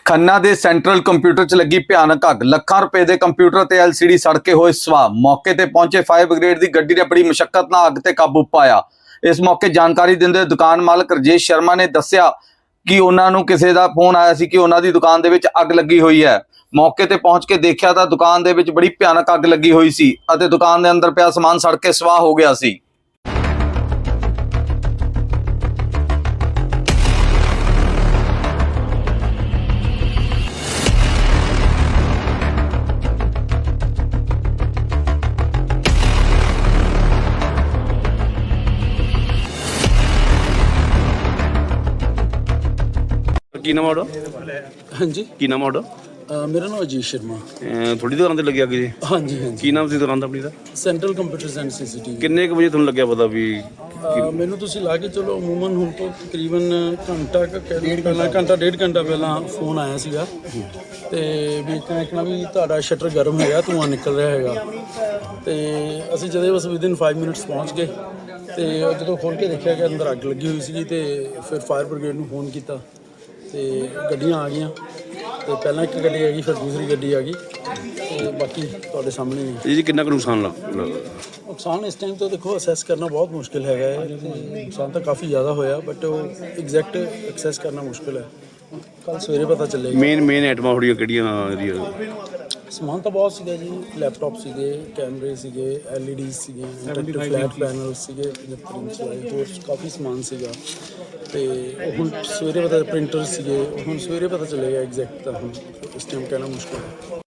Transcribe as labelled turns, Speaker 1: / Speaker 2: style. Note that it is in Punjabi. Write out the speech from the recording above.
Speaker 1: ਖੰਨਾ ਦੇ ਸੈਂਟਰਲ ਕੰਪਿਊਟਰ 'ਚ ਲੱਗੀ ਭਿਆਨਕ ਅੱਗ। ਲੱਖਾਂ ਰੁਪਏ ਦੇ ਕੰਪਿਊਟਰ ਤੇ LCD ਸੜ ਕੇ ਹੋਏ ਸਵਾਹ। ਮੌਕੇ ਤੇ ਪਹੁੰਚੇ ਫਾਇਰ ਬ੍ਰਿਗੇਡ ਦੀ ਗੱਡੀ ਨੇ ਬੜੀ ਮੁਸ਼ੱਕਤ ਨਾਲ ਅੱਗ ਤੇ ਕਾਬੂ ਪਾਇਆ। ਇਸ ਮੌਕੇ ਜਾਣਕਾਰੀ ਦਿੰਦੇ ਦੁਕਾਨ ਮਾਲਕ ਰਜੇਸ਼ ਸ਼ਰਮਾ ਨੇ ਦੱਸਿਆ ਕਿ ਉਹਨਾਂ ਨੂੰ ਕਿਸੇ ਦਾ ਫੋਨ ਆਇਆ ਸੀ ਕਿ ਉਹਨਾਂ ਦੀ ਦੁਕਾਨ ਦੇ ਵਿੱਚ ਅੱਗ ਲੱਗੀ ਹੋਈ ਹੈ। ਮੌਕੇ ਤੇ ਪਹੁੰਚ ਕੇ ਦੇਖਿਆ ਤਾਂ ਦੁਕਾਨ ਦੇ ਵਿੱਚ ਬੜੀ ਭਿਆਨਕ ਅੱਗ ਲੱਗੀ ਹੋਈ ਸੀ ਅਤੇ ਦੁਕਾਨ ਦੇ ਅੰਦਰ ਪਿਆ ਸਮਾਨ ਸੜ ਕੇ ਸਵਾਹ ਹੋ ਗਿਆ ਸੀ।
Speaker 2: ਕੀ ਨਾਮ ਆਉੜਾ?
Speaker 3: ਹਾਂਜੀ,
Speaker 2: ਕੀ ਨਾਮ ਆਉੜਾ?
Speaker 3: ਮੇਰਾ ਨਾਮ ਅਜੀਤ ਸ਼ਰਮਾ।
Speaker 2: ਥੋੜੀ ਦੁਕਾਨ ਤੇ ਲੱਗਿਆ ਅੱਗੇ ਜੀ?
Speaker 3: ਹਾਂਜੀ ਹਾਂਜੀ,
Speaker 2: ਕੀ ਨਾਮ ਸੀ ਦੁਕਾਨ ਦਾ ਆਪਣੀ ਦਾ?
Speaker 3: Central computers and CCTV।
Speaker 2: ਕਿੰਨੇ ਕੁ ਵਜੇ ਤੁਹਾਨੂੰ ਲੱਗਿਆ ਪਤਾ ਵੀ?
Speaker 3: ਮੈਨੂੰ ਤੁਸੀਂ ਲਾ ਕੇ ਚਲੋ ਅਮੂਮਨ ਹੁਣ ਤੋਂ ਤਕਰੀਬਨ ਘੰਟਾ ਡੇਢ ਘੰਟਾ ਪਹਿਲਾਂ ਫੋਨ ਆਇਆ ਸੀਗਾ ਤੇ ਵੀ ਕਹਿਣਾ ਵੀ ਤੁਹਾਡਾ ਸ਼ਟਰ ਗਰਮ ਹੋਇਆ, ਧੂੰਆਂ ਨਿਕਲ ਰਿਹਾ ਹੈਗਾ। ਤੇ ਅਸੀਂ ਜਦੋਂ ਬਸ ਵਿਦਿਨ 5 ਮਿੰਟਸ ਪਹੁੰਚ ਗਏ ਤੇ ਜਦੋਂ ਖੋਲ੍ਹ ਕੇ ਦੇਖਿਆ ਕਿ ਅੰਦਰ ਅੱਗ ਲੱਗੀ ਹੋਈ ਸੀਗੀ ਤੇ ਫਿਰ ਫਾਇਰ ਬ੍ਰਿਗੇਡ ਨੂੰ ਫੋਨ ਕੀਤਾ ਤੇ ਗੱਡੀਆਂ ਆ ਗਈਆਂ ਤੇ ਪਹਿਲਾਂ ਇੱਕ ਗੱਡੀ ਆ ਗਈ, ਫਿਰ ਦੂਸਰੀ ਗੱਡੀ ਆ ਗਈ ਤੇ ਬਾਕੀ ਤੁਹਾਡੇ ਸਾਹਮਣੇ ਹੀ ਹੈ।
Speaker 2: ਜੀ ਕਿੰਨਾ ਕੁ ਨੁਕਸਾਨ ਲੱਗਾ?
Speaker 3: ਨੁਕਸਾਨ ਇਸ ਟਾਈਮ ਤੋਂ ਦੇਖੋ ਅਸੈਸ ਕਰਨਾ ਬਹੁਤ ਮੁਸ਼ਕਿਲ ਹੈਗਾ ਹੈ। ਨੁਕਸਾਨ ਤਾਂ ਕਾਫੀ ਜ਼ਿਆਦਾ ਹੋਇਆ ਬਟ ਉਹ ਐਗਜ਼ੈਕਟ ਐਕਸੈਸ ਕਰਨਾ ਮੁਸ਼ਕਿਲ ਹੈ। ਕੱਲ ਸਵੇਰੇ ਪਤਾ ਚੱਲੇਗਾ।
Speaker 2: ਮੇਨ ਆਈਟਮਾਂ ਹੋੜੀਆਂ ਕਿਹੜੀਆਂ ਇਹਦੀਆਂ?
Speaker 3: ਸਮਾਨ ਤਾਂ ਬਹੁਤ ਸੀਗਾ ਜੀ, ਲੈਪਟਾਪ ਸੀਗੇ, ਕੈਮਰੇ ਸੀਗੇ, LED ਸੀਗੇ, ਫਲੈਟ ਪੈਨਲ ਸੀਗੇ 75 ਇੰਚ ਵਾਲੇ, ਹੋਰ ਕਾਫੀ ਸਮਾਨ ਸੀਗਾ ਤੇ ਉਹ ਹੁਣ ਸਵੇਰੇ ਪਤਾ, ਪ੍ਰਿੰਟਰ ਸੀਗੇ, ਹੁਣ ਸਵੇਰੇ ਪਤਾ ਚੱਲੇਗਾ ਐਗਜ਼ੈਕਟ। ਤਾਂ ਹੁਣ ਇਸ ਟਾਈਮ ਕਹਿਣਾ ਮੁਸ਼ਕਿਲ ਹੈ।